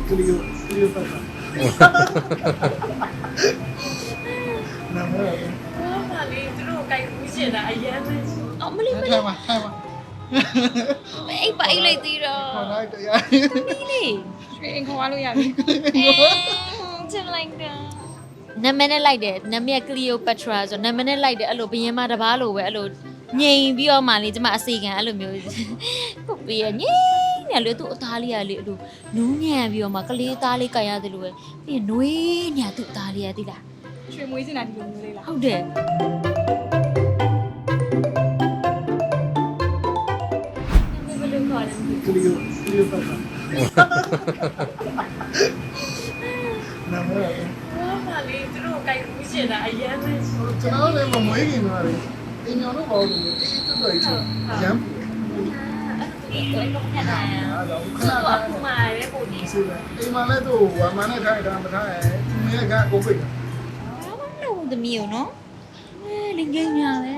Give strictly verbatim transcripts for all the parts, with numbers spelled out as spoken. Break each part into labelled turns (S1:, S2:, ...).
S1: Clio, Clio Patra. Nằm đó rồi.
S2: mà đi tôi đâu cày cũng chuyện là ai vậy
S3: Ờ mà đi mà
S1: Thay mà, thay mà.
S3: đi Anh bậy lại tí
S1: Còn
S3: rồi
S1: ai tự ai.
S3: Đi
S2: chuyện anh không ăn luôn vậy
S3: Chân lành đó နာမည်နဲ့လိုက်တယ်နာမည်က Cleopatra ဆိုနာမည်နဲ့လိုက်တယ်အဲ့လိုဘယင်းမတစ်ပါးလိုပဲအဲ့လိုငြိမ်ပြီးတော့မှလေကျမအစီခံအဲ့လိုမျိုးပုတ်ပြီးရငြိမ်နေလေသူ့အသားလေးကလေအဲ့လိုနူးညံ့ပြီးတော့မှကလေးသားလေးကန်ရတယ်လို့ပဲပြီးရင်နွေးညာသူ့အသားလေးရသိလား
S2: ရွှေမွေးစင်တာဒီလိုမျိုးလေးလား
S3: ဟုတ်တယ်ဘယ်လိုခေါ်လဲ
S1: Clio, Clio Patra. Nằm đó rồi.
S2: မှာလေသူတို့ကိုင်မှုရှင်တာအရင်ပဲ
S1: ကျွန်တော်လည်းမမွေးခင်တော့လေအင်ညောင်းတော့ပေါ့လို့အေးတော်တော်ကြီးရမ်း
S3: ဒီလိုတော့ခက်တာရ
S1: အားတော့ခ
S3: သူ
S1: ဏ
S3: ့
S1: ခါ
S3: အခုမှပဲပုံနေ
S1: စီတယ်အိမ်မှာလည်းသူ့ဝမ်းမနဲ့ထိုင်တာမထိုင်သူမြဲကကိုပိတ်တာ
S3: ဘာမှမလုပ်သမီးရောနော်အဲလင်ကြီးညာပဲ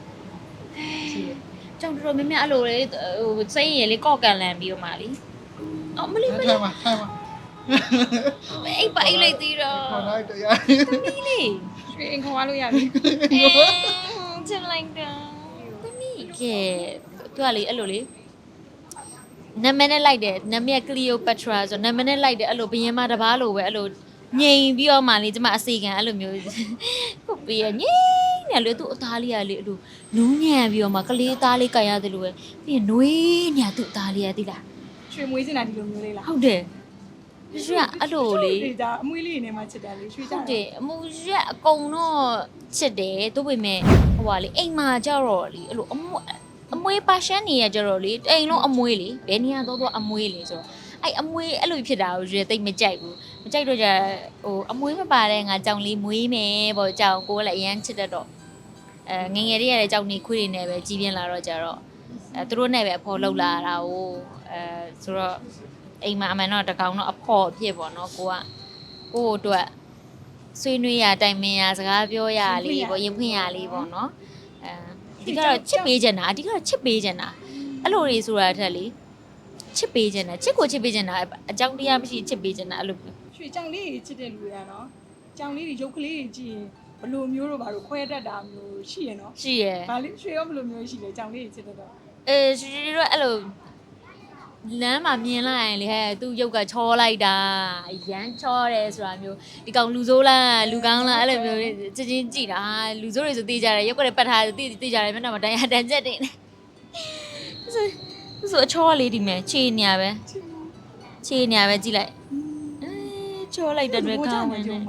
S3: ကြောင်တော်တော်များများအဲ့လိုလေဟိုစိတ်ရည်လေးကော့ကန်လန်ပြီးတော့မှလीအော်မလေးမလေး
S1: ထိုင်မှာထိုင်မှာ
S3: အိပ်ပါအိပ်လိုက်သေးတော့
S1: ခေါ်လိုက်တရား
S3: သမီးလေး
S2: ရွှေanh không ăn luôn vậy
S3: ချင်လိုက်တာသမီးကဲသူကလေအဲ့လိုလေနာမည်နဲ့လိုက်တယ်နာမည်က Cleopatra ဆိုနာမည်နဲ့လိုက်တယ်အဲ့လိုဘယင်းမတစ်ပါးလိုပဲအဲ့လိုငြိမ်ပြီးတော့မှလေကျမအစီခံအဲ့လိုမျိုးပုတ်ပြီးရငြိမ်နေလေသူ့အသားလေးကလေအဲ့လိုနူးညံ့ပြီးတော့မှကလေးသားလေးကန်ရတယ်လို့ပဲပြီးရင်နွေးညာသူ့အသားလေးရသိလား
S2: ရွှေမွေးစင်တာဒီလိုမျိုးလေးလား
S3: ဟုတ်တယ်ရွှေကအဲ့လိုလေ
S2: ဒီဒါအမွေးလေးနေမှချစ်တယ်လေရွှေကြ
S3: ဟုတ်တယ်အမူရက်အကုန်တော့ချစ်တယ်တို့ပေမဲ့ဟိုပါလေအိမ်မှာကြတော့လေအဲ့လိုအမွေအမွေပါရှန်နေရကြတော့လေအိမ်လုံးအမွေလေဘယ်နေရာတော့တော့အမွေလေဆိုတော့အဲ့အမွေအဲ့လိုဖြစ်တာကိုရွေသိမ့်မကြိုက်ဘူးမကြိုက်တော့ကြဟိုအမွေမပါတဲ့ငါကြောင်လေးမွေးမယ်ပေါ့ကြောင်ကိုကလည်းအရန်ချစ်တတ်တော့အဲငငယ်လေးရတဲ့ကြောင်နေခွေးတွေနဲ့ပဲကြီးပြင်းလာတော့ကြတော့အဲသူတို့နဲ့ပဲအဖော်လောက်လာတာကိုအဲဆိုတော့အိမ်မှာအမှန်တော့တကောင်တော့အဖော်ဖြစ်ပေါ့နော်ကိုကကို့အတွက်ဆွေးနွေးရတိုင်ပင်ရစကားပြောရလေးပေါ့ရင်ဖွင့်ရလေးပေါ့နော်အဲဒီကတော့ချစ်ပေးချင်တာအဓိကတော့ချစ်ပေးချင်တာအဲ့လိုတွေဆိုတာထက်လေချစ်ပေးချင်တာချစ်ကိုချစ်ပေးချင်တာအကြောင်းတရားမရှိချစ်ပေးချင်တာအဲ့လို
S2: ရွှေကြောင်လေးကြီးချစ်တဲ့လူတွေကတော့ကြောင်လေးကြီးရုပ်ကလေးကြီးကြည့်ရင်ဘလိုမျိုးတော့ဘာလို့ခွဲတတ်တာမျိုးရှိရနော်
S3: ရှိရယ်
S2: ဘာလေးရွှေရောဘလိုမျိုးရှိလဲကြောင်လေးကြီးချစ်တတ်တော့
S3: အဲရှိရှိတော့အဲ့လိုလမ်းမှာမြင်လိုက်ရင်လေဟဲ့သူ့ရုပ်ကချောလိုက်တာရမ်းချောတယ်ဆိုတာမျိုးဒီကောင်လူဆိုးလားလူကောင်းလားအဲ့လိုမျိုးချင်းချင်းကြည့်တာလူဆိုးတွေဆိုသိကြတယ်ရုပ်ကလည်းပတ်ထားသိသိကြတယ်မျက်နှာမှာတန်ရတန်ချက်တင်ဆိုဆိုအချောလေးဒီမဲ့ခြေနေရပဲခြေနေရပဲကြည့်လိုက်အဲချောလိုက်တဲ့တွေကောင်းဝင်နေ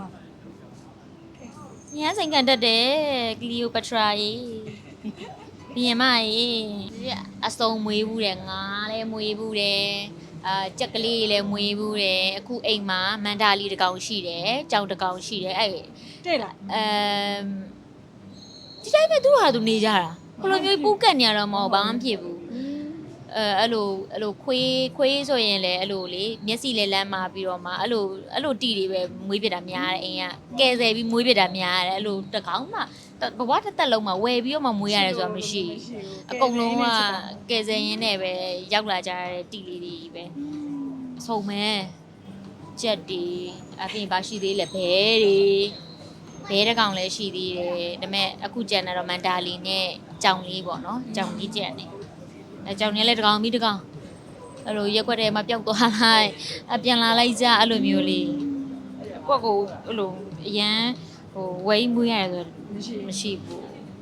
S3: ညစိန်ကန်တတ်တယ်ကလီယိုပထရာကြီးပြင်မကြီးအစုံမွေးဘူးတယ်ငါလည်းမွေးဘူးတယ်အာကြက်ကလေးလည်းမွေးဘူးတယ်အခုအိမ်မှာမန္တာလီတစ်ကောင်ရှိတယ်ကြောင်တစ်ကောင်ရှိတယ်အဲ့
S2: တဲ့လား
S3: အမ်ဒီတိုင်းပဲသူ့ဟာသူနေကြတာဘလိုမျိုးပူးကတ်နေရတော့မဟုတ်ဘာမှမဖြစ်ဘူးအဲအဲ့လိုအဲ့လိုခွေးခွေးဆိုရင်လည်းအဲ့လိုလေမျက်စိလည်းလမ်းမာပြီးတော့မှအဲ့လိုအဲ့လိုတီတွေပဲမွေးပြတာများတယ်အိမ်ကကဲဆယ်ပြီးမွေးပြတာများတယ်အဲ့လိုတကောင်မှဘဝတစ်သက်လုံးမှာဝယ်ပြီးတော့မှမွေးရတယ်ဆိုတာမရှိအကုန်လုံးကကဲဆယ်ရင်းနဲ့ပဲရောက်လာကြတဲ့တီလေးတွေပဲအဆုံးမဲကြက်တီအပြင်ပါရှိသေးလဲဘဲတွေဘဲတကောင်လည်းရှိသေးတယ်ဒါပေမဲ့အခုကြံနေတော့မန်တာလီနဲ့ကြောင်လေးပေါ့နော်ကြောင်ကြီးကြံနေအဲကြောင်နေလဲတကောင်ပြီးတကောင်အဲ့လိုရက်ွက်ထဲမှာပျောက်သွားလိုက်အပြန်လာလိုက်ကြအဲ့လိုမျိုးလေးကိုယ့်ကိုအဲ့လိုအရန်ဟိုဝိမွေးရတယ်ဆိုမရှိဘူး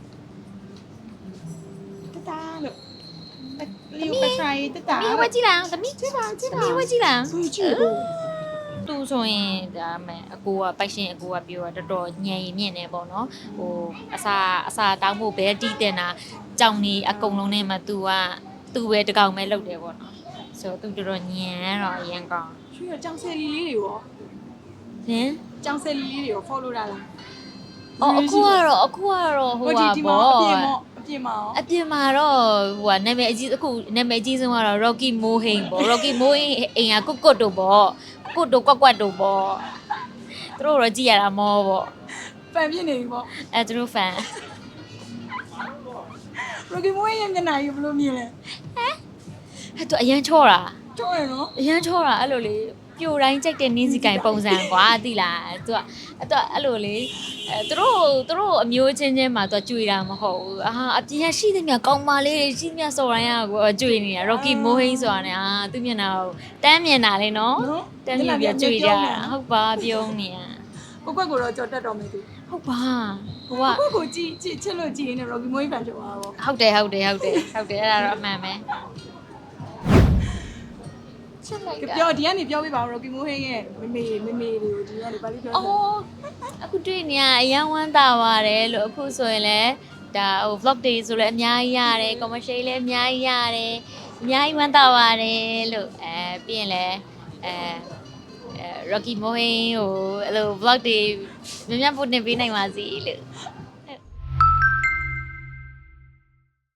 S2: တတားလို့လီယိုပထရာကြီးတတား
S3: သမီးဝက်ကြည့်လိုက်အောင်သမီးကြည့်ပါကြည့်ပါသမီးဝက်ကြည့်လိုက်အောင်
S2: သူကြည့်လို့
S3: သူဆိုရင်ဒါမဲ့အကိုကပိုက်ရှင်အကိုကပြောတာတော်တော်ညံရင်မြင့်နေပေါ့နော်ဟိုအစာအစာတောင်းဖို့ဘဲတီးတင်တာကြောင်နေအကုန်လုံးနဲ့မှ तू က तू ပဲတကောင်ပဲလုပ်တယ်ပေါ့နော်ဆိုတော့ तू တော်တော်ညံတော့အရင်ကောင်း
S2: ရွှေရောကြောင်ဆယ်လီလေးတွေရော
S3: ဟင်
S2: ကြောင်ဆယ်လီလေးတွေရော follow တာလား
S3: အော်အခုကတော့အခုကတော့ဟိုပါပေါ့
S2: အပြင်မောအပြင်မော
S3: အပြင်မှာတော့ဟိုကနာမည်အကြီးအခုနာမည်အကြီးဆုံးကတော့ Rocky Mohin ပေါ့ Rocky Mohin အိမ်ကကွတ်ကွတ်တို့ပေါ့ကွတ်တို့ကွက်ကွက်တို့ပေါ့သူတို့တော့ကြည့်ရတာမောပေါ့
S2: ဖန်ပြနေပြီပေါ့
S3: အဲသူတို့ fan
S2: Rocky Moy ရဲ့မျက်နှာကြီးဘယ်လိုမြင်လဲ
S3: ဟဲ့သူအရန်ချောတာ
S2: ချောရနော်
S3: အရန်ချောတာအဲ့လိုလေပြိုတိုင်းကြိုက်တဲ့နင်းစီကိုင်ပုံစံကွာသိလားသူကအဲ့တော့အဲ့လိုလေအဲသူတို့သူတို့အမျိုးချင်းချင်းမှာသူကကြွေတာမဟုတ်ဘူးအာအပြင်ရရှိသမျှကောင်းပါလေးတွေရှိသမျှစော်တိုင်းကကိုကြွေနေတာ Rocky မိုးဟိန်းဆိုတာနဲ့အာသူမျက်နှာကိုတန်းမြင်တာလေနော်တန်းမြင်ပြကြွေကြတာဟုတ်ပါပြုံးနေရ
S2: ကိုကွက်ကိုတော့ကြော်တက်တော်မယ်သူ
S3: ဟုတ်ပါဟိုက
S2: ကိုကိုကြည့်ကြည့်ချစ်လို့ကြည့်နေ Rocky Moy ဖန်ဖြစ်သွားတော့
S3: ဟုတ်တယ်ဟုတ်တယ်ဟုတ်တယ်ဟုတ်တယ်အဲ့ဒါတော့အမှန်ပဲချစ်လိုက်တာ
S2: ပြောဒီကနေပြောပြပါဦး Rocky Moy ရဲ့မမေမမေတွေကိုဒီကနေပါလိပြော
S3: အော်အခုတွေ့နေရအရန်ဝမ်းသာပါတယ်လို့အခုဆိုရင်လည်းဒါဟို vlog တွေဆိုလည်းအများကြီးရတယ် commercial လည်းအများကြီးရတယ်အများကြီးဝမ်းသာပါတယ်လို့အဲပြီးရင်လည်းအဲအဲ Rocky Moy ဟိုအဲ့လို vlog တွေများများပို့တင်ပေးနိုင်ပါစေလို့